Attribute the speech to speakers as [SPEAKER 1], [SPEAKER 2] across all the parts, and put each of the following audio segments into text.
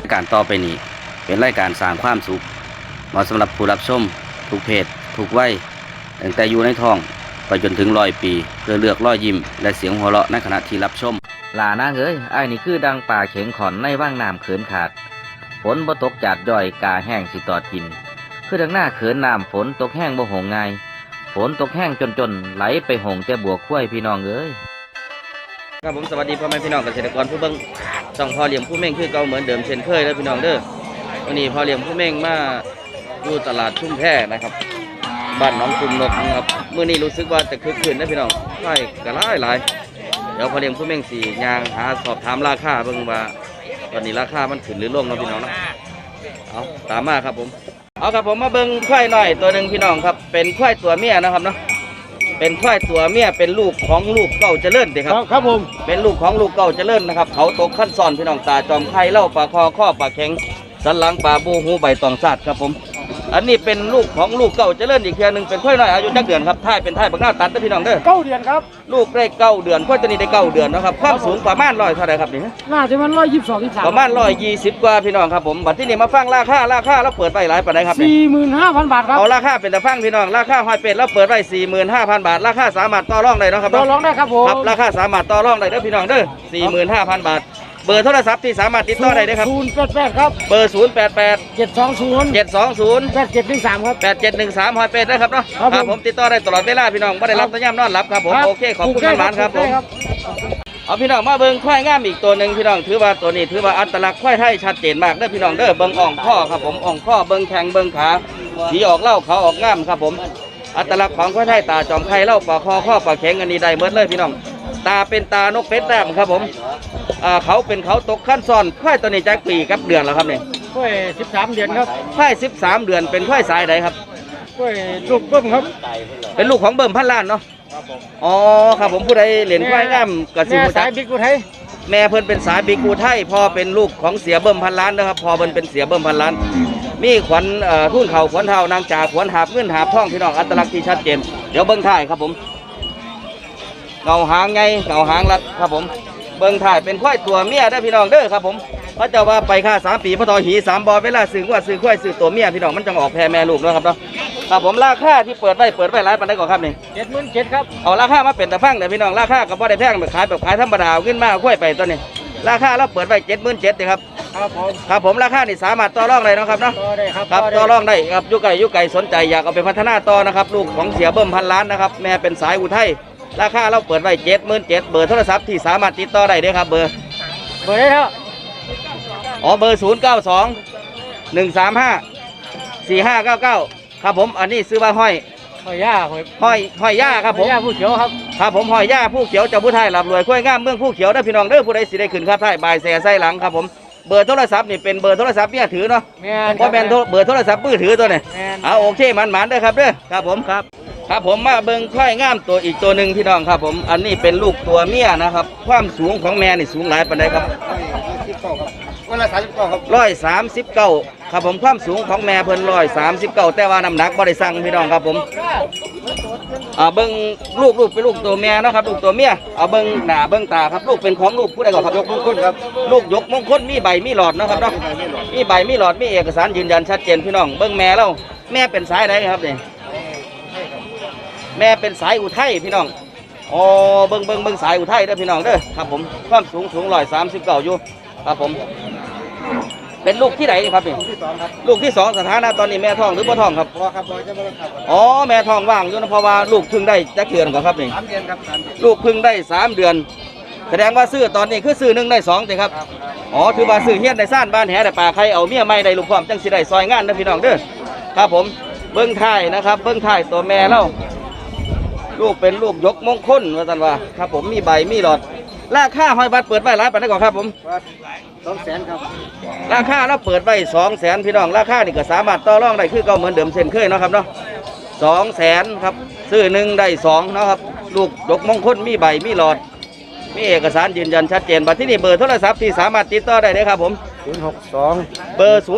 [SPEAKER 1] ายการต่อไปนี้เป็นรายการสร้างความสุขเหมาะสำหรับผู้รับชมทุกเพศทุกวัยตั้งแต่อยู่ในท้องไปจนถึง100 ปีเพื่อเลือกรอยยิ้มและเสียงหัวเราะในขณะที่รับชมลานางเอ้ยไอ้นี่คือดังป่าเข็งขอนในว่างน้ำเขินขาดฝนบ่ตกจัดย่อยกาแห้งสิตอดกินคือดังหน้าเขินน้ำฝนตกแห้งบ่หงง่ายฝนตกแห้งจนไหลไปหงแต่บัวคุ้ยพี่น้องเอ้ยครับผมสวัสดีพ่อแม่พี่น้องเกษตรกรผู้เบิ่งช่องพ่อเลี้ยงผู้เม่งคือเก่าเหมือนเดิมเช่นเคยแล้วพี่น้องเด้อวันนี้พ่อเลี้ยงผู้เม่งมาอยู่ตลาดชุ่มแพนะครับบ้านหนองกุมนกนะครับมื้อนี้รู้สึกว่าจะคึกคืนนะพี่น้องใช่กระหลายเดี๋ยวพ่อเลี้ยงผู้เม่งสี่ยางหาสอบถามราคาเบิ่งว่าตอนนี้ราคามันขึ้นหรือลงนะพี่น้องนะเอาตามมาครับผมเอาครับผมมาเบิ่งควายหน่อยตัวหนึ่งพี่น้องครับเป็นควายตัวเมียนะครับเนาะเป็นควายตัวเมียเป็นลูกของลูกเก่าเจริญเด็กครับ
[SPEAKER 2] ครับผม
[SPEAKER 1] เป็นลูกของลูกเก่าเจริญนะครับเขาตกขั้นซ้อนพี่น้องตาจอมไข่เล่าปลาคอข้อปลาแข็งสันหลังปลาบูหูใบตองซาดครับผมอันนี้เป็นลูกของลูกเก่าเจริญอีกเทียหนึ่งเป็นควายน้อยอายุจักเดือนครับท้ายเป็นท้ายบักหน้าตัดนะพี่น้องเด้อ
[SPEAKER 2] 9 เดือนครับ
[SPEAKER 1] ลูกได้9 เดือนควายตัวนี้ได้9 เดือนนะครับความสูงประมาณ100เท่าไหร่ครับนี่
[SPEAKER 2] น่าจะมัน122 23
[SPEAKER 1] ประมาณ120กว่าพี่น้องครับผมบัดที่นี่มาฟังราคาแล้วเปิดไปหลายปานใดครับ
[SPEAKER 2] 45,000 บาทครับ
[SPEAKER 1] เอาราคาเป็นตะฟังพี่น้องราคาหอยเป็ดแล้วเปิดไว้ 45,000 บาทราคาสามารถต่อรองได้นะครับ
[SPEAKER 2] ต่อรองได้ครับผม
[SPEAKER 1] ครับราคาสามารถต่อรองได้เด้อพี่น้องเด้อ 45,000 บาทเบอร์โทรศัพท์ที่สามารถติดต่อได้ครับ
[SPEAKER 2] 088ครับ
[SPEAKER 1] เบอร์088
[SPEAKER 2] 720 8713ครับ
[SPEAKER 1] 8713หอยเป็ดนะครับเนาะครับผมติดต่อได้ตลอดเวลาพี่น้องไม่ได้รับสัญญาณนอนหลับครับผมโอเคขอบคุณมากครับผมเอาพี่น้องมาเบิ่งควายงามอีกตัวหนึ่งพี่น้องถือว่าตัวนี้ถือว่าอัตลักษณ์ควายไทยชัดเจนมากเด้อพี่น้องเด้อเบิ่งอ่องข้อครับผมอ่องข้อเบิ่งแข้งเบิ่งขาสีออกเล่าเขาออกงามครับผมอัตลักษณ์ของควายไทยตาจอมไข่เล่าปลาคอข้อปลาแข็งอันนี้ได้เบิดเลยพี่น้องตาเป็นตานกเป็ดแต้มครับผมเขาเป็นเขาตกขั้นซ้อนควายตัวนี้จักปีกับเดือนแล้วครับเนี่ย
[SPEAKER 2] กล้วย13 เดือนครับ
[SPEAKER 1] ควาย13 เดือนเป็นควายสายใดครับ
[SPEAKER 2] กล้วยลูกเบิ้มครับ
[SPEAKER 1] เป็นลูกของเบิ่มพันล้านเนาะอ๋อครับผมผู้ใดเหรียญควายงามกระสิบ
[SPEAKER 2] สายบิ๊กอุทัย
[SPEAKER 1] แม่เพิ่นเป็นสายบิ๊กอุทัยพ่อเป็นลูกของเสียเบิ่มพันล้านนะครับพ่อเพิ่นเป็นเสียเบิ่มพันล้านมีขวัญทุ่นเข่าขวัญเท้านางจ่าขวัญหาบเงินหาบทองพี่น้องอัตลักษณ์ที่ชัดเจนเดี๋ยวเบิ่งท้ายครับผมเงาหางไงเงาหางรัดครับผมเบิ่งถ่ายเป็นควายตัวเมียได้พี่น้องเด้อครับผมพระเจ้าว่าไปค่า3 ปีพระทอหี3 บอเวลาซื้อว่าซื้อควายซื้อตัวเมียพี่น้องมันจะออกแพรแม่ลูกนะครับเนาะครับผมราคาที่เปิดไว้หลายปานใดก่อนครับนี่
[SPEAKER 2] 77,000ครับ
[SPEAKER 1] เอาราคามาเป็นตะฟังเด้อพี่น้องราคาก็บ่ได้แพงแบบขายธรรมดาขึ้นมาควายไปตัวนี้ราคาเราเปิดไว้77,000ครับครับผมราคานี่สามารถต่อรองได้นะครับเนาะครับต่อรองได้ครับยุไก่สนใจอยากเอาไปพัฒนาต่อนะครับลูกของเสียเบิ่มพันล้านนะครับแม่เป็นสายอุทัยราคาเราเปิดไว้77,000เบอร์โทรศัพท์ที่สามารถติดต่อได้เด้อครับเบอร์
[SPEAKER 2] ได้ครับ
[SPEAKER 1] อ๋อเบอร์0921354599ครับผมอันนี้ซื้อว่าห้อย
[SPEAKER 2] ย่า
[SPEAKER 1] ห้อยย่าครับผม
[SPEAKER 2] ย่าผู้เขียวครับ
[SPEAKER 1] ครับผมห้อยย่าผู้เขียวจากผู้ไทยหลับรวยคุ้ยงามเมืองผู้เขียวได้พี่น้องเด้อผู้ใดสิได้ขึ้นครับไทยบายแซ่ไส้หลังครับผมเบอร์โทรศัพท์นี่เป็นเบอร์โทรศัพท์เนี่ยถือเนาะเพราะเป็นเบอร์โทรศัพท์มือถือตัวนี้เอาโอเคมันเด้อครับเด้อครับผมครับผมมาเบิ่งควายงามตัวอีกตัวหนึ่งพี่น้องครับผมอันนี้เป็นลูกตัวเมียนะครับความสูงของแม่นี่สูงหลายปานใดครับ
[SPEAKER 2] 139ครับ
[SPEAKER 1] 139ครับผมความสูงของแม่เพิ่น139แต่ว่าน้ำหนักบ่ได้สั่งพี่น้องครับผมเบิ่งลูกเป็นลูกตัวแม่นะครับลูกตัวเมียเอาเบิ่งหน้าเบิ่งตาครับลูกเป็นของลูกผู้ใดก่อนครับ
[SPEAKER 2] ยกมงคลครับ
[SPEAKER 1] ลูกยกมงคลมีใบมีหลอดนะครับเนาะมีใบมีหลอดมีเอกสารยืนยันชัดเจนพี่น้องเบิ่งแม่แล้วแม่เป็นสายไหนครับนี่แม่เป็นสายอุทัยพี่น้องอ๋อเบิ่งสายอุทัยเด้อพี่น้องเด้อครับผมความสูง139อยู่ครับผมเป็นลูกที่ไหนครับนี่ลูกที่2สถานะตอนนี้แม่ท้องหรือบ่ท้องครับอ๋อแม่ท้องว่างอยู่นะเพราะว่าลูกเพิ่งได้จักเดือนก่อนครับนี่
[SPEAKER 2] 3 เดือนครับ
[SPEAKER 1] ลูกเพิ่งได้3 เดือนแสดงว่าซื้อตอนนี้คือซื้อ1ได้2สิครับอ๋อถือว่าซื้อเฮียนได้ซ่านบ้านแหได้ป่าใครเอาเมียใหม่ได้ลูกพร้อมจังสิได้ซอยงานนะพี่น้องเด้อครับผมเบิ่งท้ายนะครับเบิ่งท้ายตัวแม่แล้วลูกเป็นลูกยกมงคลว่าซั่นว่าครับผมมีใบมีหลอดราคาหอยบัตรเปิดไว้หลายปานใดก่อนครับผม
[SPEAKER 2] 200,000ครับ
[SPEAKER 1] ราคาเราเปิดไว้200,000พี่น้องราคานี่ก็สามารถต่อรองได้คือเก่าเหมือนเดิมเช่นเคยเนาะครับเนาะ200,000ครับซื้อ1ได้2เนาะครับลูกยกมงคลมีใบมีหลอดมีเอกสารยืนยันชัดเจนบัดที่นี่เบอร์โทรศัพท์ที่สามารถติดต่อได้เลยครับผม
[SPEAKER 2] 062
[SPEAKER 1] เบอร์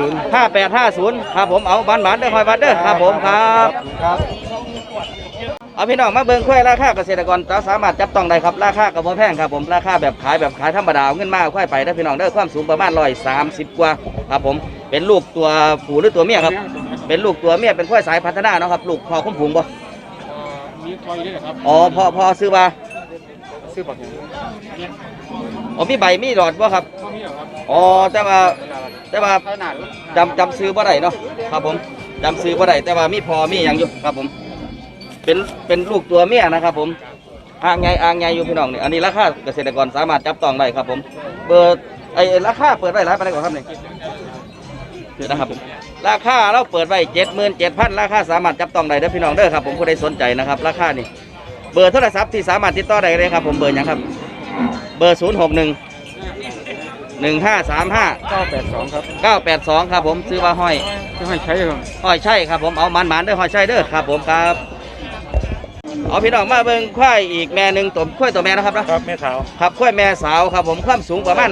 [SPEAKER 2] 157
[SPEAKER 1] 5850ครับผมเอาบ้านเด้อคอยบ้านเด้อครับผมครับเอาพี่น้องมาเบิ่งควายราคาเกษตรกรสามารถจับต้องได้ครับราคาก็บ่แพงครับผมราคาแบบขายธรรมดาเอาเงินมาควายไปได้อพี่น้องเด้อความสูงประมาณ130กว่าครับผมเป็นลูกตัวผู้หรือตัวเมียครับเป็นลูกตัวเมียเป็นควายสายพัฒนาเนาะครับลูกพอคุ้มผงบ่
[SPEAKER 2] มีคอยด้วยครับ
[SPEAKER 1] อ๋อพอซื้อมา
[SPEAKER 2] ซื้อบักอย่างเนี่ย
[SPEAKER 1] อ๋อมีใบมีหลอดบ่ครับ
[SPEAKER 2] ก็มีครับ
[SPEAKER 1] อ๋อแต่ว่า
[SPEAKER 2] ขนาด
[SPEAKER 1] จำซื้อบ่ได้เนาะครับผมจำซื้อบ่ได้แต่ว่ามีพอมีอย่างอยู่ครับผมเป็นลูกตัวเมียนะครับผมอ่างใหญ่อยู่พี่น้องนี่อันนี้ราคาเกษตรกรสามารถจับต้องได้ครับผมเบอร์ราคาเปิดไว้หลายปานใดก่อนครับนี่คือนะครับผมราคาเราเปิดไว้77,000ราคาสามารถจับต้องได้เด้อพี่น้องเด้อครับผมผู้ใดสนใจนะครับราคานี่เบอร์โทรศัพท์ที่สามารถติดต่อได้เลยครับผมเบอร์หยังครับเบอร์061 1535
[SPEAKER 2] 982ครับ
[SPEAKER 1] 982ครับผมซื้อว่าห้อย
[SPEAKER 2] จะให้ใช้ครับ
[SPEAKER 1] ห้อยใช่ครับผมเอามันๆเด้อห้อยใช่เด้อครับผมครับเอาพี่น้องมาเบิ่งควายอีกแม่หนึ่งตัวควายตัวแม่นะครับนะครับ
[SPEAKER 2] แม่สาว
[SPEAKER 1] ครับควายแม่สาวครับผมความสูงประมาณ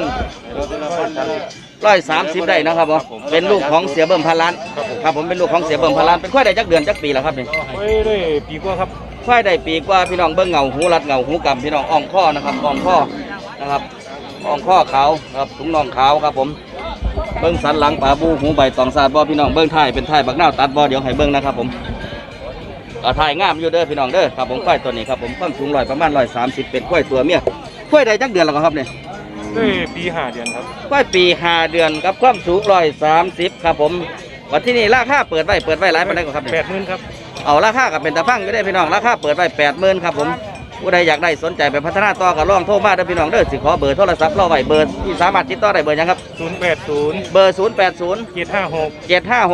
[SPEAKER 1] 130ได้นะครับผมเป็นลูกของเสียเบิ่มพันล้านครับผมเป็นลูกของเสียเบิ่มพันล้านเป็นควายได้จักเดือนจักปีแล้วครับนี่
[SPEAKER 2] ไว้ด้วยปีกว่าครับ
[SPEAKER 1] ควายได้ปีกว่าพี่น้องเบิ่งเงาหูรัดเงาหูกำพี่น้องอ่องข้อนะครับอ่องข้อนะครับอ่องข้อขาวครับถุงน่องขาวครับผมเบิ่งสันหลังป่าบูหูใบตองซาดบ่พี่น้องเบิ่งท้ายเป็นท้ายบักนาวตัดบ่เดี๋ยวให้เบิ่งนะครับผมถ่ายงามอยู่เด้อพี่น้องเด้อครับผมควายตัวนี้ครับผมความสูงประมาณ130เป็นควายตัวเมียควายได้จักเดือนแล้วครับเนี่ย
[SPEAKER 2] ด้วยปี5 เดือนครับ
[SPEAKER 1] ควายปี5 เดือนกับความสูง130ครับผมวันที่นี่ราคาเปิดไว้หลายปานใดครับเนี่ย
[SPEAKER 2] 80,000ครับ
[SPEAKER 1] เอาราคากับเป็นตะพังอยู่ได้อพี่น้องราคาเปิดไว้80,000ครับผมผู้ใดอยากได้สนใจไปพัฒนาต่อก็ลองโทรมาเด้อพี่น้องเด้อสิขอเบอร์โทรศัพท์เราไว้เบอร์ที่สามารถติดต่อได้เบอร์หยังครับ
[SPEAKER 2] 080
[SPEAKER 1] เบอร์080
[SPEAKER 2] 756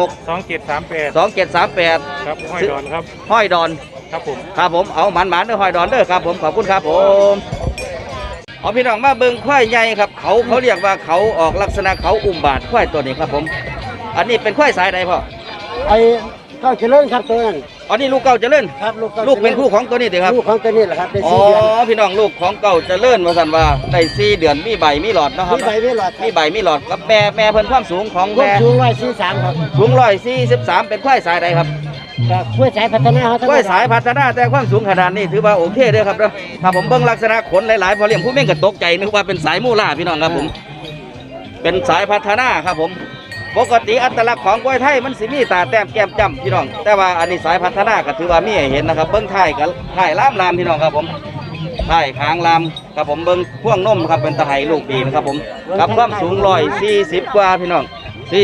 [SPEAKER 1] 756
[SPEAKER 2] 2738
[SPEAKER 1] 2738
[SPEAKER 2] ครับห้อยดอนครับ
[SPEAKER 1] ห้อยดอน
[SPEAKER 2] ครับผม
[SPEAKER 1] ครับผมเอาหมันๆเด้อห้อยดอนเด้อครับผมขอบคุณครับผมเอาพี่น้องมาเบิ่งควายใหญ่ครับเขาเรียกว่าเขาออกลักษณะเขาอุ้มบาทควายตัวนี้ครับผมอันนี้เป็นควายสายใดพ่อ
[SPEAKER 3] ไอ้เก้าเจริญครับตัวนั้น
[SPEAKER 1] อันนี้ลูกเก่าเจริญ
[SPEAKER 3] ครับลูก
[SPEAKER 1] ลูกเป็นคู่ของตัวนี้เด้อครับ
[SPEAKER 3] ลูกของตัวนี้แหละครับเป็น
[SPEAKER 1] อ๋อ
[SPEAKER 3] 4 เดือน
[SPEAKER 1] พี่น้องลูกของเก่าเจริญว่าสันว่าได้4 เดือนมีใบมีหลอดเนาะครับ
[SPEAKER 3] มีใบมีหลอด
[SPEAKER 1] มีใบมีหลอดกับแม่เพิ่นความสูงของ
[SPEAKER 3] ควบ
[SPEAKER 1] แม่
[SPEAKER 3] สูง143ครับ
[SPEAKER 1] สูง143เป็นควายสายใดครับ
[SPEAKER 3] จากห้วยสายพัฒนาเขาทั้ง
[SPEAKER 1] ควายสายพัฒนาแต่ความสูงขนาดนี้ถือว่าโอเคเด้อครับเด้อถ้าผมเบิ่งลักษณะขนหลายๆพอเลี้ยงผู้เม่งก็ตกใจนึกว่าเป็นสายมูล่าพี่น้องครับผมเป็นสายพัฒนาครับผมปกติอัตลักษณ์ของกล้วยไทยมันสิมีตาแต้มแก้มจ้ำพี่น้องแต่ว่าอันนี้สายพัฒนาก็ถือว่ามีให้เห็นนะครับเบิ้งท้ายกับท้ายลามพี่น้องครับผมท้ายคางลามครับผมเบิ้งพ่วงนมครับเป็นตะไคร่ลูกดีนะครับผมกับความสูง140กว่าพี่น้อง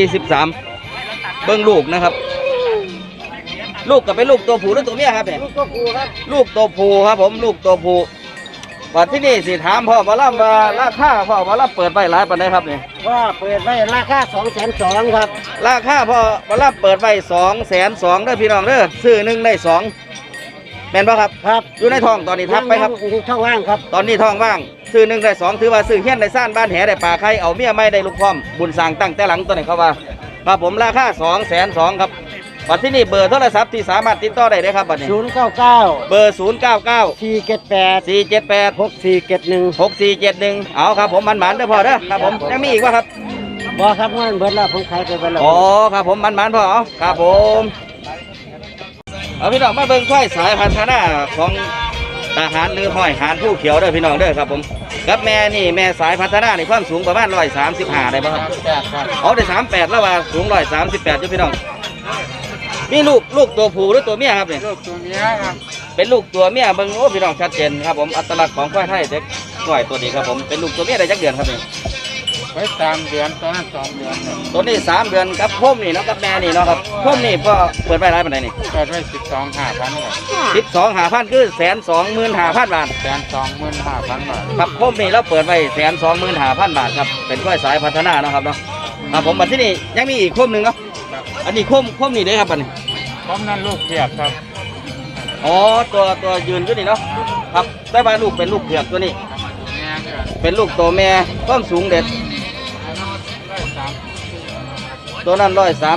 [SPEAKER 1] 43เบิ้งลูกนะครับ ลูกก็เป็นลูกตัวผู้หรือตัวเมียครับเนี่ย
[SPEAKER 3] ลูกก็ผูครับ
[SPEAKER 1] ลูกตัวผู้ครับผมลูกตัวผู้ว่าที่นี่สิถามพ่อมาล่ำว่าราคาพ่อมาล่ำเปิดไปหลายปานใดครับเนี่ย
[SPEAKER 3] ว่าเปิดไว้ราคา202,000ครับ
[SPEAKER 1] ราคาพอมารับเปิดไว้202,000เด้อพี่น้องเด้อซื้อหนึ่งได้2แม่นป่ะครับ
[SPEAKER 3] ครับ
[SPEAKER 1] อยู่ในท้องตอนนี้ทับไปครับ
[SPEAKER 3] ยังช่องว่างครับ
[SPEAKER 1] ตอนนี้ท้องว่างซื้อหนึ่งได้2ถือว่าซื้อเฮี้ยนได้ซ่านบ้านแหได้ป่าไข่เอาเมียไม่ได้ลูกพร้อมบุญสร้างตั้งแต่หลังตัวไหนเขาว่าครับผมราคา202,000ครับบัดที่นี่เบอร์โทรศัพท์ที่สามารถติดต่อได้เลยครับบัดนี้
[SPEAKER 3] 099
[SPEAKER 1] เบอร์099
[SPEAKER 3] 478
[SPEAKER 1] 478
[SPEAKER 3] 6471
[SPEAKER 1] 6471เอาครับผมมันๆเด้อพ่อเด้อครับผมยังมีอีกว่าครับ
[SPEAKER 3] บ่ครับเงินเบิดแล้วผมขายไปเบิดแล้ว
[SPEAKER 1] อ๋อครับผมมันพ่อเอาครับผมเอาพี่น้องมาเบิ่งควายสายพัฒนาของทหารหรือห้อยหานผู้เขียวเด้อพี่น้องเด้อครับผมกับแม่นี่แม่สายพัฒนาในความสูงประมาณ135ได้ป่ะครับ
[SPEAKER 3] ครับ
[SPEAKER 1] เอาได้38แล้วว่าสูง138อยู่พี่น้องมีลูกตัวผู้หรือตัวเมียครับเนี่ย
[SPEAKER 2] ลูกตัวเมียครับ
[SPEAKER 1] เป็นลูกตัวเมียเบิ่งโอ้พี่น้องชัดเจนครับผมอัตลักษณ์ของควายไทยเด็กควายตัวนี้ครับผมเป็นลูกตัวเมียได้จักเดือนครับเนี่ย
[SPEAKER 2] ไว้3 เดือนตอนนั้น2 เดือนครับ
[SPEAKER 1] ตัวนี้3 เดือนกับพ่มนี่เนาะกับแม่นี่เนาะครับพ่มนี่ก็เปิดไปร้ายปานใดนี่
[SPEAKER 2] เปิดไว้12,500ครับ
[SPEAKER 1] 12,500คือ125,000 บาท
[SPEAKER 2] 125,000 บาท
[SPEAKER 1] ครับพ่มนี่เราเปิดไว้125,000 บาทครับเป็นควายสายพัฒนาเนาะครับเนาะครับผมมาที่นี่ยังมีอีกโคมหนึ่งเนาะอันนี้โคมนี่เด้ครับอันนี้
[SPEAKER 2] พร้อมนั้นลูกเทียบครับ
[SPEAKER 1] อ๋อตัวยืนอยู่นี่เนาะครับได้มาลูกเป็นลูกเผือกตัวนี้
[SPEAKER 2] แม่เนี่ย
[SPEAKER 1] เป็นลูกตัวแม่ความสูงเด็ดตัวนั้น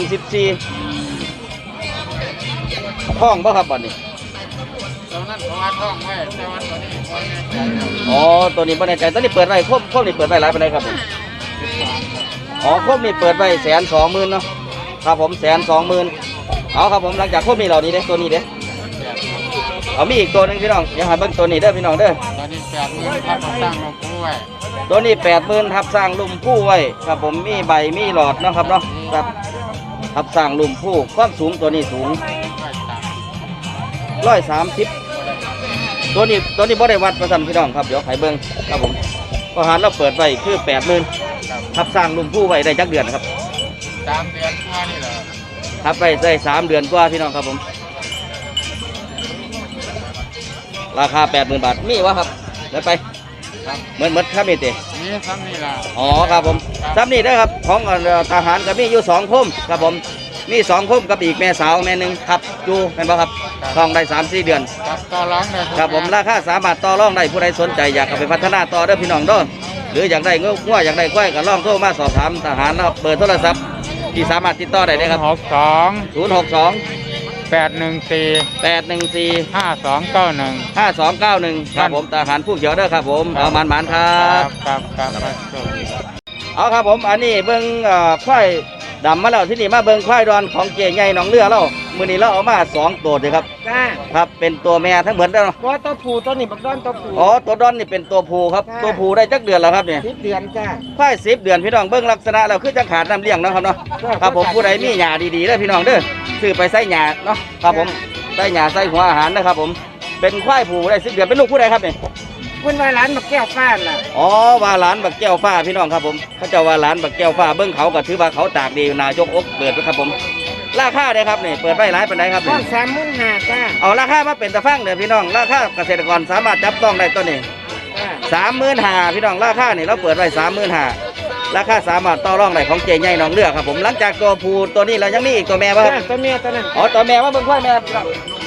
[SPEAKER 1] 134ท้องบ่ครับบัดนี้
[SPEAKER 2] ตอนนั้นเขาว่าท้องไว้แต่ว่าตัวนี้คนแน่ใจครับ
[SPEAKER 1] อ๋อตัวนี้บ่แน่ใจตัวนี้เปิดไว้โคมนี่เปิดไว้หลายปานใดครับผม อ๋อโคมนี่เปิดไว้120,000เนาะครับผม120,000เอาครับผมหลังจากโคมนี่เหล่านี้เด้ตัวนี้เด้เอามีอีกตัวหนึงพี่น้องเดี๋ยวหาเบิ่งตัวนี้เด้อพี่น้องเด้อ
[SPEAKER 2] ตอนนี้80,000ครับมาสร้างโรงผู้ไว้
[SPEAKER 1] ตัวนี้80,000ทับสร้างลุ่มผู้ไว้ครับผมมีใบมีหลอดเนาะครับเนาะครับทับสร้างลุ่มผู้ความสูงตัวนี้สูง130ตัวนี้บ่ได้วัดประสันพี่น้องครับเดี๋ยวไขเบิ่งครับผมก็หารเราเปิดไว้คือ80,000ทับสร้างลุ่มผู้ไว้ได้จักเดือนครับ
[SPEAKER 2] 3 เดือนกว่านี่แหละ
[SPEAKER 1] ทับไปได้3 เดือนกว่าพี่น้องครับผมราคา 80,000 บาทมีวะครับเดี๋ยวไป
[SPEAKER 2] ครับ
[SPEAKER 1] เหมือนครับนี่ติ
[SPEAKER 2] นี่ซ้ำนี่ล่ะ
[SPEAKER 1] อ๋อครับผมซ้ำนี่นะครับของทหารก็มีอยู่2คมครับผมมี2คมกับอีกแม่สาวแม่หนึงครับอยู่แม่นบ่ครับท้องได้3-4 เดือน
[SPEAKER 2] ครับต่อร้องเลย
[SPEAKER 1] ครับผมราคาสามารถต่อรองได้ผู้ใดสนใจอยากเอาไปพัฒนาต่อเด้อพี่น้องเด้อหรืออยากได้งัวอยากได้ควายก็ลองโทรมาสอบถามทหารนะครับเบอร์โทรศัพท์ที่สามารถติดต่อได้เลยครับ
[SPEAKER 2] 62 814
[SPEAKER 1] 062 814
[SPEAKER 2] 5291
[SPEAKER 1] 5291ครับผมทหารผู้เขียวเด้อครับผมเอามันๆครับ
[SPEAKER 2] ครับ
[SPEAKER 1] เอาครับผมอันนี้เบิ้งควายดำมาแล้วที่นี่มาเบิ้งควายดอนของเจใหญ่หนองเรือเรามื้อนี้เราเอามา2ตัวเลยครับ
[SPEAKER 3] จ้า
[SPEAKER 1] ครับเป็นตัวแม่ทั้งหมดแล้วเนาะ
[SPEAKER 3] ว่าตัวผู้ตัวนี้บักดอนตัวผู้
[SPEAKER 1] อ๋อตัวดอนนี่เป็นตัวผู้ครับ
[SPEAKER 3] จ้า
[SPEAKER 1] ตัวผู้ได้จักเดือนแล้วครับเนี่ย
[SPEAKER 3] 10 เดือนจ้า
[SPEAKER 1] ควาย10 เดือนพี่น้องเบิ้งลักษณะแล้วคือจะขาดน้ำเลี้ยงเนาะครับเนาะครับผมผู้ใดมีหญ้าดีๆเด้อพี่น้องเด้อซื้อไปใส่หญ้าเนาะครับผมใส่หญ้าใส่หัวอาหารนะครับผมเป็นควายผู้ได้10 เดือนเป็นลูกผู้ใดครับเนี่ย
[SPEAKER 3] เพิ่นว่าร้านบักแก้วฟ้าน่ะ
[SPEAKER 1] อ๋อว่าหลานบักแก้วฟ้าพี่น้องครับผมเขาเจ้าว่าหลานบักแก้วฟ้าเบิ้งเขาก็ถือว่าเขาตากดีนายกอกเปิดไว้ครับผมราคาเด้ครับนี่เปิดไว้หลายปานใดครับ
[SPEAKER 3] ต้
[SPEAKER 1] นี่
[SPEAKER 3] น35,000จ้า
[SPEAKER 1] เอาราคามาเป็นตะฟังเด้อพี่น้องราคาเกษตรกรสามารถจับต้องได้ตัวนี้
[SPEAKER 3] จ้า
[SPEAKER 1] 35,000พี่น้องราคานี่เราเปิดไว้35,000ราคาสามารถต่อรองได้ของเจใหญ่หนองเรือครับผมหลังจากตัวผู้ตัวนี้เรายังมีอีกตัวแม่ป่ะครับ
[SPEAKER 3] ตัวเมียตัวนั้น
[SPEAKER 1] อ๋อตัวแม่ว่าเบิ่งควายแม่พี่น้อง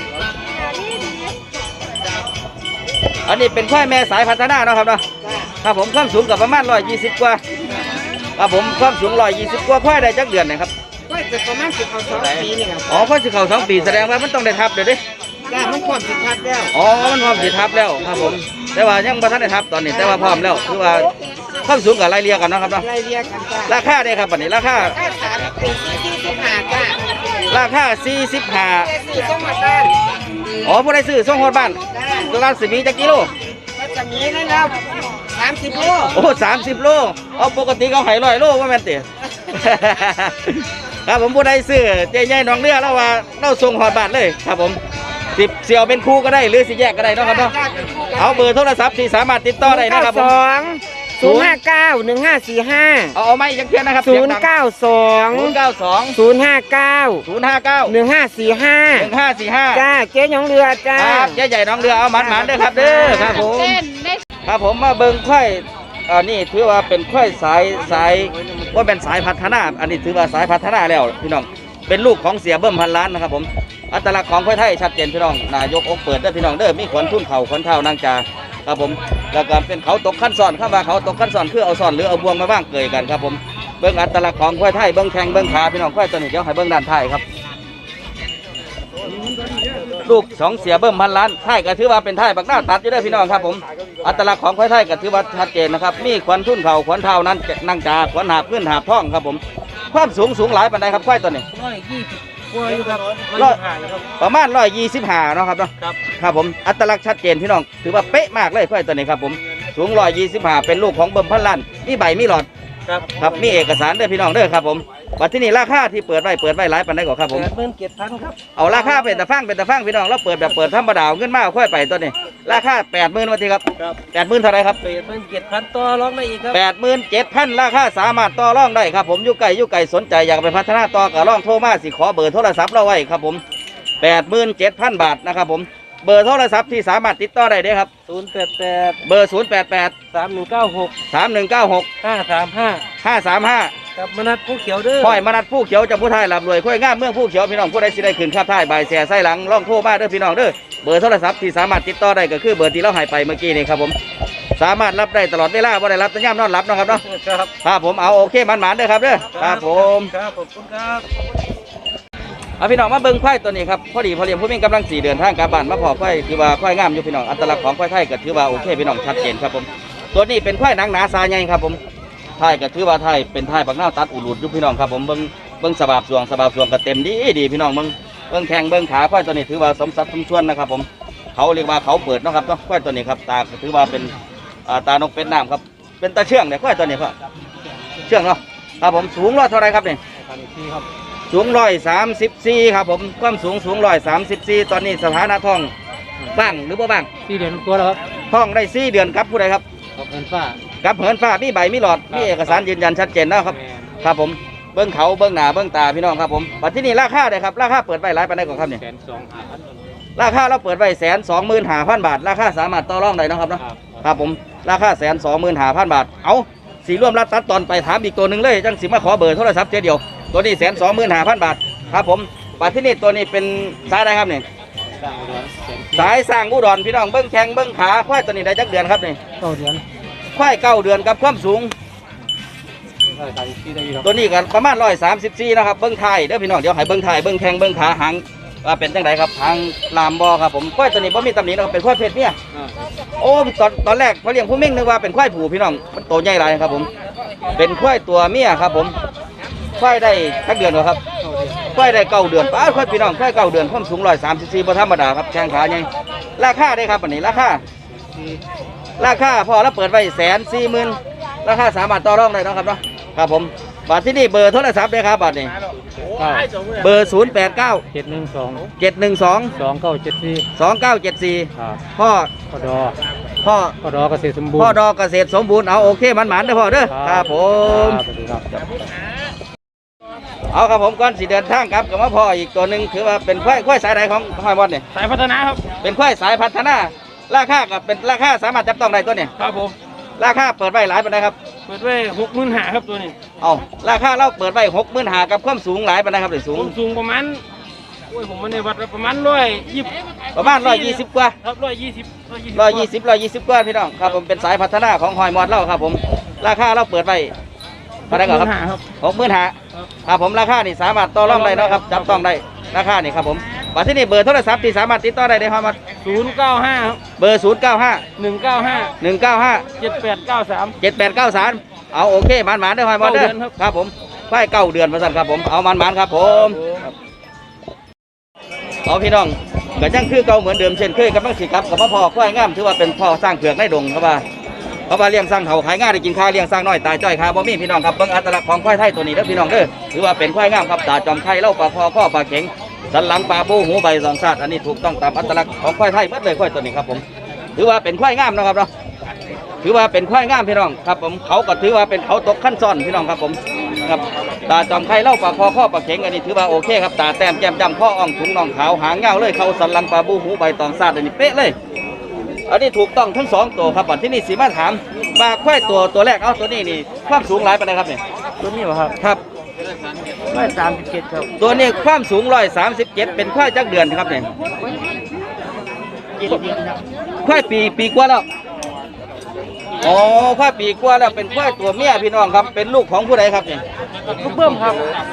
[SPEAKER 1] อันนี้เป็นควายแม่สายพัฒนาเนาะครับเนาะ
[SPEAKER 3] จ้า
[SPEAKER 1] ครับผมความสูงกับประมาณ120กว่าครับผมความสูง120กว่าควายได้จักเดือนนะครับ
[SPEAKER 3] ก็จะประมาณ10เอา2ปีนี่ครับ
[SPEAKER 1] อ๋อควายสิเข้า2 ปีแสดงว่ามันต้องได้ทับเดี๋ยวดิ
[SPEAKER 3] จ้ามันพร้อมสิทับแล้ว
[SPEAKER 1] อ๋อมันพร้อมสิทับแล้วครับผมแต่ว่ายังบ่ทันได้ทับตอนนี้แต่ว่าพร้อมแล้วคือว่าความสูงกับไล่เลี่ยกันเนาะครับเนาะ
[SPEAKER 3] ไล่เรียกกันจ้า
[SPEAKER 1] ราคาได้ครับบัดนี้ราคา
[SPEAKER 3] ถ้า3ปี45จ้า
[SPEAKER 1] ราคา
[SPEAKER 3] แต่
[SPEAKER 1] 45
[SPEAKER 3] ซื้อส่งมาบ้าน
[SPEAKER 1] อ๋อผู้ใดซื้อส่งฮอดบ้าน
[SPEAKER 3] จ้า
[SPEAKER 1] ตัวละ10 มีจักกิโล
[SPEAKER 3] ก็จะมีนะครับ30 โล
[SPEAKER 1] โอ้30 โลเอาปกติเขาให้100 โลว่าแม่นติ ครับผมผู้ใดซื้อเจ๊ใหญ่หนองเรือแล้วว่าเราส่งฮอดบ้านเลยครับผม10เสี่ยวเป็นคู่ก็ได้หรือสิแยกก็ได้เนาะครับเนาะเอาเบอร์โทรศัพท์ที่สามารถติดต่อได้นะครับผม
[SPEAKER 3] 059 1545
[SPEAKER 1] เอาไม่ยังเพียนนะครับ
[SPEAKER 3] 092
[SPEAKER 1] 092
[SPEAKER 3] 059
[SPEAKER 1] 059
[SPEAKER 3] 1545
[SPEAKER 1] 1545
[SPEAKER 3] จ้าเจ๊หยองเรือจ้า
[SPEAKER 1] ครับเจ๊ใหญ่หน้องเรือเอาหมันๆเด้อครับเด้อครับผมครับผมมาเบิ่งควายนี่ถือว่าเป็นควายสายว่าเป็นสายพัฒนาอันนี้ถือว่าสายพัฒนาแล้วพี่น้องเป็นลูกของเสียเบิ้มพันล้านนะครับผมอัตลักษณ์ของควายไทยชัดเจนพี่น้องนายกอกเปิดเด้อพี่น้องเด้อมีขนทุ่นเข่าขนเท้านางจาครับผมแล้วก็เป็นเขาตกขั้นซ้อนข้ามาเขาตกขั้นซ้อนคือเอาซ้อนหรือเอาบวงมาบ้างเกยกันครับผมเบิ่งอัตลักษณ์ของควายไทยเบิ่งแข้งเบิ่งขาพี่น้องควายตัวนี้เดี๋ยวให้เบิ่งด้านท้ายครับ ลูก2เสียเบิ่มพันล้านไทยก็ถือว่าเป็นไทยบักหน้าตัดอยู่เด้อพี่น้องครับผมอัตลักษณ์ของควายไทยก็ถือว่าชัดเจนนะครับมีขวัญทุ่นเข่าขวัญเท้านั้นนั่งจาขวัญหาบขึ้นหาบท้องครับผมความสูงหลายปานใดครับควายตัวนี้
[SPEAKER 3] กลัวอยู่ครับ
[SPEAKER 1] ประมาณ125เนาะครับเนาะครับผมอัตลักษณ์ชัดเจนพี่น้องถือว่าเป๊ะมากเลยควายตัวนี้ครับผมสูง125เป็นลูกของเบิ่มพันล้านมีใบมีหลอดครับมีเอกสารเด้อพี่น้องเด้อครับผมบัดที่นี่ราคาที่เปิดไว้หลายปานใดก่อนครับผม
[SPEAKER 3] 87,000ครับ
[SPEAKER 1] เอาราคาเป็นตะฟังพี่น้องเราเปิดแบบเปิดธรรมดาเอาเงินมาเอาค่อยไปตัวนี้ราคา 80,000วันทีครับ 80,000เท่าไหรครับ
[SPEAKER 3] 87,000ต่อรองได้อีกครับ
[SPEAKER 1] 87,000ราคาสามารถต่อรองได้ครับผมอยู่ไกลสนใจอยากไปพัฒนาต่อก็ลองโทรมาสิขอเบอร์โทรศัพท์เราไว้ครับผม 87,000 บาทนะครับผมเบอร์โทรศัพท์ที่สามารถติดต่อได้เด้อครับ
[SPEAKER 3] 088
[SPEAKER 1] เบอร์ 088
[SPEAKER 3] 3196
[SPEAKER 1] 3196
[SPEAKER 3] 535
[SPEAKER 1] 535
[SPEAKER 3] กับมนัดผู้เขียวเด้อ
[SPEAKER 1] ค่อยมานัดผู้เขียวจากผู้ไทยลำรวยค่อยงามเมืองผู้เขียวพี่น้องผู้ใดสิได้ขึ้นข้าบท้ายบ่ายแส่ไส้หลังล่องโทรมาเด้อพี่น้องเด้อเบอร์โทรศัพท์ที่สามารถติดต่อได้ก็คือเบอร์ที่เราให้ไปเมื่อกี้นี่ครับผมสามารถรับได้ตลอดเวลาบ่ได้รับแต่ย่ำนอนรับเนาะครับเนาะ
[SPEAKER 3] ครับ
[SPEAKER 1] ครับผมเอาโอเคมันๆเด้อครับเด้อครับผม
[SPEAKER 3] ครับขอบคุณครับ
[SPEAKER 1] เอาพี่น้องมาเบิ่งควายตัวนี้ครับพอดีพอเลี้ยงผู้มีกำลัง4เดือนทางกลับบ้านมาพอควายถือว่าควายงามอยู่พี่น้องอัตลักษณ์ของควายไทยก็ถือว่าโอเคพี่น้องชัดเจนครับผมตัวนี้เป็นควายหนังหนาซาใหญ่ครับผมไทยก็ถือว่าไทยเป็นไทยปักหน้าตัดอุลุดอยู่พี่น้องครับผมเบิ่งสบาบสวงก็เต็มดีพี่น้องเบิ่งแข้งเบิ่งขาควายตัวนี้ถือว่าสมสัดสมส่วนนะครับผมเขาเรียกว่าเขาเปิดเนาะครับเนาะควายตัวนี้ครับตาถือว่าเป็นตานกเป็นน้ำครับเป็นตาเชื่องเนี่ยควายตัวนี้ครับเชื่องเนาะครับผมสูงร้อยเท่าไรครับเนี่ยสูง134ครับผมความสูง134ตอนนี้สถานะท้องบ้างหรือบ่บ้าง
[SPEAKER 3] 4 เดือนตัวแล้วครับ
[SPEAKER 1] ท้องได้4 เดือนครับผู้ใดครับ
[SPEAKER 3] ขอบคุณฟ้า
[SPEAKER 1] กับเหินฟ้ามีใบมีหลอดมีเอกสารยืนยันชัดเจนนะครับครับผมเบื้องเขาเบื้องหน้าเบื้องตาพี่น้องครับผมปัจจุบันนี้ราคาเลยครับราคาเปิดไว้หลายปานใดก่อนครับเนี่ย
[SPEAKER 3] 125,000
[SPEAKER 1] ราคาเราเปิดไว้125,000 บาทราคาสามารถต่อรองได้นะครับเนาะครับผมราคา125,000 บาทเอาสีร่วมรัดตัดตอนไปถามอีกตัวหนึ่งเลยจังสิมาขอเบอร์โทรศัพท์เดียวตัวนี้125,000 บาทครับผมปัจจุบันนี้ตัวนี้เป็นสายอะไรครับเนี่ยสายสร้างอุดรพี่น้องเบื้องแข้งเบื้องขาควายตัวนี้ได้จักเดือนครับนี่
[SPEAKER 3] 9 เดือน
[SPEAKER 1] ควาย9 เดือนกับความสูง
[SPEAKER 3] 134ได้ครับ
[SPEAKER 1] ตัวนี้กันประมาณ134นะครับเบิ้งไทยเด้อพี่น้องเดี๋ยวให้เบิ้งไทยเบิ้งแข้งเบิ้งขาหางว่าเป็นจังไดครับหางลามบอครับผมควายตัวนี้บ่มีตำหนินะครับเป็นควายเพศเนี่ยโอ้ตอนแรกพอเลี้ยงผู้เม่งนึกว่าเป็นควายผูพี่น้องมันโตใหญ่หลายครับผมเป็นควายตัวเมียครับผมควายได้ทักเดือนเหรอครับควายได้9 เดือนป้าควายพี่น้องควาย9 เดือนความสูง134บ่ธรรมดาครับแข้งขาใหญ่ราคาได้ครับอันนี้ราคาพอแล้วเปิดไว้140,000ราคาสามารถต่อรองได้เนาะครับเนาะครับผมบัตรที่นี่เบอร์โทรศัพท์เลยครับบัตรนี้เบอร์089
[SPEAKER 3] 712
[SPEAKER 1] 712
[SPEAKER 3] 2974
[SPEAKER 1] 2974
[SPEAKER 3] ครับ
[SPEAKER 1] พ่อ
[SPEAKER 3] พอดอ
[SPEAKER 1] พ่อ
[SPEAKER 3] พอดอเกษตรสมบูรณ์
[SPEAKER 1] พ่อดอกเกษตรสมบูรณ์เอาโอเคมันหมานเด้อพ่อเด้อครับผม
[SPEAKER 3] สวัสดีครับ
[SPEAKER 1] เอาครับผมก่อนสิเดินทางครับกับมาพ่ออีกตัวหนึ่งถือว่าเป็นควายสายไหนของหอยบอลเนี่ย
[SPEAKER 3] สายพัฒนาครับ
[SPEAKER 1] เป็นควายสายพัฒนาราคากับเป็นราคาสามารถจับต้องได้ตัวเนี่ย
[SPEAKER 3] ครับผม
[SPEAKER 1] ราคาเปิดไว้หลายปานใดครับ
[SPEAKER 3] เปิดไว้65,000ครับตัวนี้
[SPEAKER 1] เอาราคาเราเปิดไว้65,000กับความสูงหลายปานใดครับหรือสูง
[SPEAKER 3] ผมสูงประมาณโอ้ยผมมาในวัดแล้วประมาณ120
[SPEAKER 1] ประมาณ120กว่า
[SPEAKER 3] ครับ120
[SPEAKER 1] 120กว่าพี่น้องครับผมเป็นสายพัฒนาของหอยมอดเราครับผมราคาเราเปิดไว้ปานใดก่อนครับ
[SPEAKER 3] 65,000ครับ
[SPEAKER 1] 65,000ครับผมราคานี่สามารถต่อรองได้เนาะครับจับต้องได้ราคานี่ครับผมบัตรที่นี่เบอร์โทรศัพท์ที่สามารถติดต่อได้ในความมา
[SPEAKER 3] 095ครับ
[SPEAKER 1] เบอร์095
[SPEAKER 3] 195
[SPEAKER 1] 195
[SPEAKER 3] 7893
[SPEAKER 1] 7893เอาโอเคหมานๆเด้อหอยมอดเด้อ
[SPEAKER 3] 9 เดือนครับ
[SPEAKER 1] ครับผมควาย9 เดือนมาสั่นครับผมเอาหมานๆครับผมเอาพี่น้องก็ยังคือเก่าเหมือนเดิมเช่นเคยกับมังสิครับกับพ่อควายงามถือว่าเป็นพ่อสร้างเผือกในดงครับว่าเพราะว่าเลี้ยงสร้างเขาขายง่ายได้กินข้าวเลี้ยงสร้างน้อยตายจ้อยคาบ่มีพี่น้องครับเบิ่งอัตลักษณ์ของควายไทยตัวนี้เด้อพี่น้องเด้อถือว่าเป็นควายงามครับตาจอมไข่เล่าปลาคอข้อปลาเข็งสันหลังปลาบูหูใบสองชาติอันนี้ถูกต้องตามอัตลักษณ์ของควายไทยหมดเลยควายตัวนี้ครับผมถือว่าเป็นควายงามนะครับเนาะถือว่าเป็นควายงามพี่น้องครับผมเขาก็ถือว่าเป็นเขาตกขั้นซ้อนพี่น้องครับผมครับตาจอมไข่เล่าปลาคอข้อปลาเข็งอันนี้ถือว่าโอเคครับตาแต้มแก้มจำข้ออ่องถุงน่องขาวหางเงาเลยเขาสันหลังปลาบูหูใบตองชาติอันนี้เป๊ะเลยอันนี้ถูกต้องทั้ง2ตัวครับบัดที่นี่สีมาถามว่าควายตัวแรกเอาตัวนี้นี่ความสูงหลายปานใดครับเนี่ย
[SPEAKER 3] ตัวนี้เหรอครับ
[SPEAKER 1] ครับ
[SPEAKER 3] 137ครับ
[SPEAKER 1] ตัวนี้ความสูง137เป็นควายจักเดือนครับเนี่ย
[SPEAKER 3] 7 เดือนครับ
[SPEAKER 1] ควายปีกว่าแล้วอ๋อควายปีกว่าแล้วเป็นควายตัวเมียพี่น้องครับเป็นลูกของผู้ใดครับเนี่ย
[SPEAKER 3] ลูกเบิ้มครับ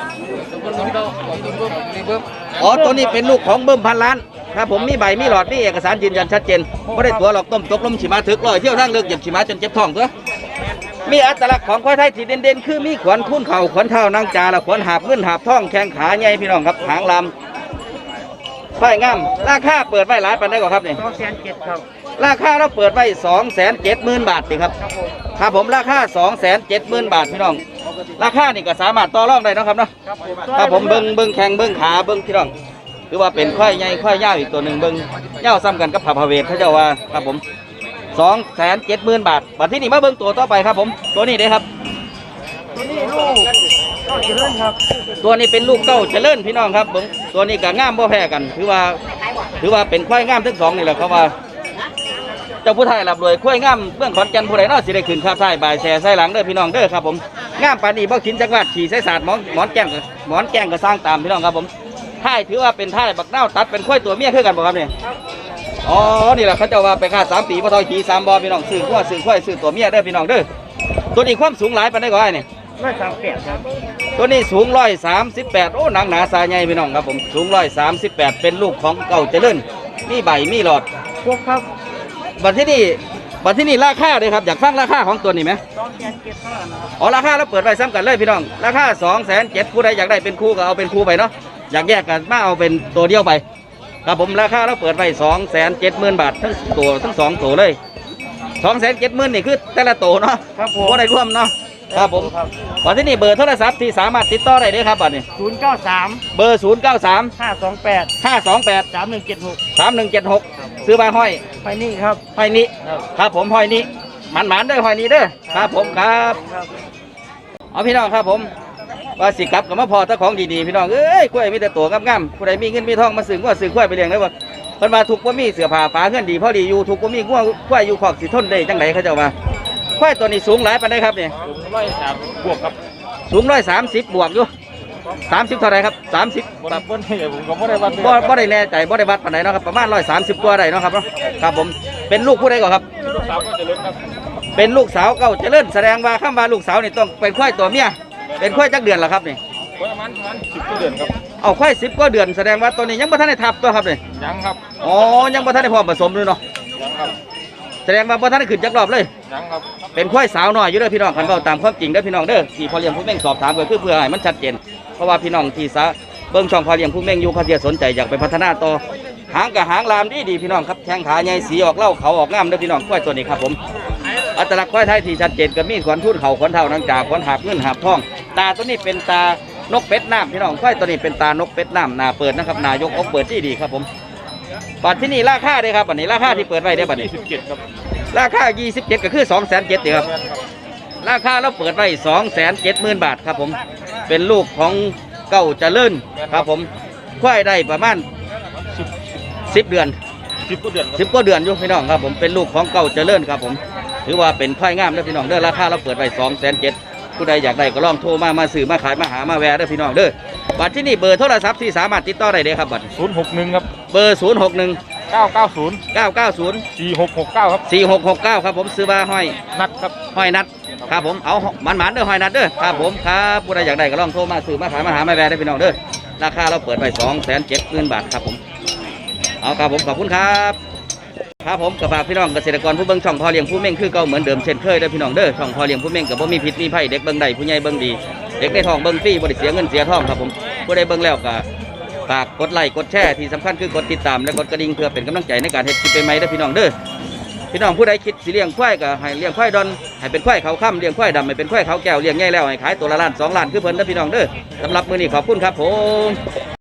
[SPEAKER 1] อ๋อตัวนี้เป็นลูกของเบิ้มพันล้านครับผมมีใบมีหลอดมีเอกสารยืนยันชัดเจนไม่ได้ตัวหรอกต้มตกลมฉีมาถึกลอยเที่ยวทางเลือกเหยียบฉีมาจนเจ็บท้องตัวมีอัตลักษณ์ของควายไทยที่เด่นๆคือมีขวัญคุ้นเข่าขวัญเท้านางจาและขวัญหาบเงินหาบท้องแข้งขาใหญ่พี่น้องครับหางลำควายงามราคาเปิดไว้หลายปานใดกว่าครับเนี่ย
[SPEAKER 3] 207ครับ
[SPEAKER 1] ราคาเราเปิดไว้270,000 บาทสิครับครับผมราคา270,000 บาทพี่น้องราคานี่ก็สามารถต่อรองได้เนาะครับเนาะครับผมเบิ้งแข้งเบิ้งขาเบิ้งพี่น้องถือว่าเป็นควายใหญ่ควายยาวอีกตัวหนึ่งเบิ้งยาวซ้ำกันกับผาพาเวทเขาเจ้าว่าครับผม270,000 บาทบัดที่นี่มาเบิ้งตัวต่อไปครับผมตัวนี้เด้ครับ
[SPEAKER 3] ตัวนี้ลูกก็เจริญครับ
[SPEAKER 1] ตัวนี้เป็นลูกเก้าเจริญพี่น้องครับเบิ้งตัวนี้ก็งามบ่แพ้กันถือว่าเป็นควายงามทั้งสองนี่แหละเขาว่าเจ้าผู้ไทยรับรวยควายงามเบื้องขอนแก่นผู้ใดเนาะสิได้ขึ้นข้าท้ายบ่ายแช่ใส่หลังเด้อพี่น้องเด้อครับผมงามปานนี้บ่ขินจักรวาดขี่ใส่ศาสตร์หมอนแก้งก็สร้างตามพี่น้องครับผมท้ายถือว่าเป็นท้ายบักเน่าตัดเป็นควายตัวเมียคือกันบ่ครับเนี่ยอ๋อนี่แหละเขาเจ้าว่าไปค่า3 ปีบ่ทอยขี่3บ่พี่น้องซื้อควายซื้อตัวเมียเด้อพี่น้องเด้อตัวนี้ความสูงหลายปานใดก็ได้เนี่ย
[SPEAKER 3] 138ครับ
[SPEAKER 1] ตัวนี้สูง138โอ้หนังหนาสายใหญ่พี่น้องครับผมสูง138เป็นลูกของเก่าเจริญมีใบมีหลอด
[SPEAKER 3] พวกครับ
[SPEAKER 1] บัดที่นี่ราคาเลยครับอยากฟังราคาของตัวนี้ไหม
[SPEAKER 3] 207เท่านั้นครับ
[SPEAKER 1] อ๋อราคาเราเปิดไว้ซ้ำกันเลยพี่น้องราคา270,000ผู้ใดอยากได้เป็นคู่ก็เอาเป็นคู่ไปเนาะอยากแยกกันมาเอาเป็นตัวเดียวไปครับผมราคาเราเปิดไว้270,000 บาททั้งตัวทั้ง2ตัวเลย270,000นี่คือแต่ละตัวเนาะ
[SPEAKER 3] ครับผม
[SPEAKER 1] บ่ได้รวมเนาะครับผมวันที่นี่เบอร์โทรศัพท์ที่สามารถติดต่อได้เด้อครับบัดนี้
[SPEAKER 3] 093
[SPEAKER 1] เบอร์093
[SPEAKER 3] 528
[SPEAKER 1] 528
[SPEAKER 3] 3176
[SPEAKER 1] 3176ซื้อมาห้อย
[SPEAKER 3] ไปนี่ครับ
[SPEAKER 1] ห้อยนี้
[SPEAKER 3] ครับ
[SPEAKER 1] ครับผมห้อยนี้หมันๆเด้อห้อยนี้เด้อครับผมครับเอาพี่น้องครับผมว่าสิกลับกับมาพอตะของดีๆพี่น้องเอ้ยกล้วยมีแต่ตัวงามๆผู้ใดมีเงินมีทองมาซื้อว่าซื้อกล้วยไปเลี้ยงได้บ่เพิ่นว่าทุกบ่มีเสื้อผ้าฝาเงินดีพอดีอยู่ทุกบ่มีกล้วยอยู่ขอกสิทนได้จังไดเขาเจ้าว่าควายตัวนี้สูงหลายปานใดครับนี่
[SPEAKER 3] 103บวกครับ
[SPEAKER 1] สูง130บวกอยู่30เท่าไหร่ครับ30
[SPEAKER 3] บนนี่ผมก็ไม่ได้วัด
[SPEAKER 1] บ่ได้แน่ใจบ่ได้วัดปานใดเนาะครับประมาณ130กว่าได้เนาะครับเนาะครับผมเป็นลูกผู้ใดก่อนครับ
[SPEAKER 3] ลูกสาวก็จะเลิกครับ
[SPEAKER 1] เป็นลูกสาวเก่าเจริญแสดงว่าคำว่าลูกสาวนี่ต้องเป็นควายตัวเมียเป็นควายจักเดือนล่ะครับนี่
[SPEAKER 3] ประมาณ10เดือนครับ
[SPEAKER 1] เอาควาย10กว่าเดือนแสดงว่าตัวนี้ยังบ่ทันได้ทับตัวครับนี่
[SPEAKER 3] ยังครับ
[SPEAKER 1] อ๋อยังบ่ทันได้พร้อมผสมเลยเนาะ
[SPEAKER 3] ยังครับ
[SPEAKER 1] แสดงว่าบ่ทันได้ขึ้นจักรอบเลย
[SPEAKER 3] ยังครับ
[SPEAKER 1] เป็นควายสาวน้อยอยู่เด้อพี่น้องคันเว้าตามความจริงเด้อพี่น้องเด้อที่พอเลี้ยงผู้เม่งสอบถามก็คือเพื่อให้มันชัดเจนเพราะว่าพี่น้องที่เบิ่งช่องพอเลี้ยงผู้เม่งอยู่เขาจะสนใจอยากไปพัฒนาต่อหางกับหางลามดีพี่น้องครับแข้งขาใหญ่สีออกเหล้าเขาออกงามเด้อพี่น้องควายตัวนี้ครับผมอัตลักษณ์ควายไทยที่ชัดเจนก็มีขวัญทุ่นเขาขวัญเท่านังจากขวัญหาบเงินหาบทองตาตัวนี้เป็นตานกเป็ดน้ำพี่น้องควายตัวนี้เป็นตานกเป็ดน้ำหนาเปิดนะครับหนายกอกเปิดที่ดีครับผมบัตรที่นี่ราคาเด้อครับบัตรนี้ราคาที่เปิดไว้เด้อบัตรนี้
[SPEAKER 3] 27ครับ
[SPEAKER 1] ราคา27ก็คือ270,000เด้อครับ ราคาเราเปิดไว้270,000 บาทครับผมเป็นลูกของเก้าเจริญครับผมควายได้ประมาณ10 เดือน
[SPEAKER 3] 10กว่าเดือนครับ
[SPEAKER 1] 10กว่าเดือนอยู่พี่น้องครับผมเป็นลูกของเก้าเจริญครับผมถือว่าเป็นควายงามเด้อพี่น้องเด้อราคาเราเปิดไว้270,000ผู้ใดอยากได้ก็ลองโทรมาซื้อมาขายมาหามาแวะเด้อพี่น้องเด้อบัตรที่นี่เบอร์โทรศัพท์ที่สามารถติดต่อได้เด้อครับบัตร
[SPEAKER 3] 061ครับ
[SPEAKER 1] เบอร์061
[SPEAKER 3] 990
[SPEAKER 1] 990
[SPEAKER 3] 4669ครับ
[SPEAKER 1] 4669ครับผมซื้อมาห้อย
[SPEAKER 3] นัดครับ
[SPEAKER 1] ห้อยนัดครับผมเอาหมันๆเด้อห้อยนัดเด้อครับผมครับผู้ใดอยากได้ก็ลองโทรมาซื้อมาขายมาหามาแวะได้อพี่น้องเด้อราคาเราเปิดไว้270,000 บาทครับผมเอาครับผมขอบคุณครับครับผมกับฝากพี่น้องเกษตรกรผู้เบิ่งช่องพอเลี้ยงผู้เม่งคือเก่าเหมือนเดิมเช่นเคยเด้อพี่น้องเด้อช่องพอเลี้ยงผู้เม่งกับบ่มีพิษมีภัยเด็กเบิ่งได้ผู้ใหญ่เบิ่งดีเด็กในท้องเบิ่งฟรีบ่ได้เสียเงินเสียทองครับผมผู้ใดเบิ่งแล้วก็ฝากกดไลค์กดแชร์ที่สำคัญคือกดติดตามและกดกระดิ่งเพื่อเป็นกำลังใจในการเฮ็ดคลิปใหม่ๆเด้อพี่น้องเด้อ พี่น้องผู้ใดคิดสิเลี้ยงควายก็ให้เลี้ยงควายดอนให้เป็นควายเขาค่ำเลี้ยงควายดำให้เป็นควายเขาแก้วเลี้ยงใหญ่แล้วให้ขายตัวละล้าน2 ล้านคือเพิ่นเด้อพี่น้องเด้อสำหรับมื้อนี้ขอบคุณครับผม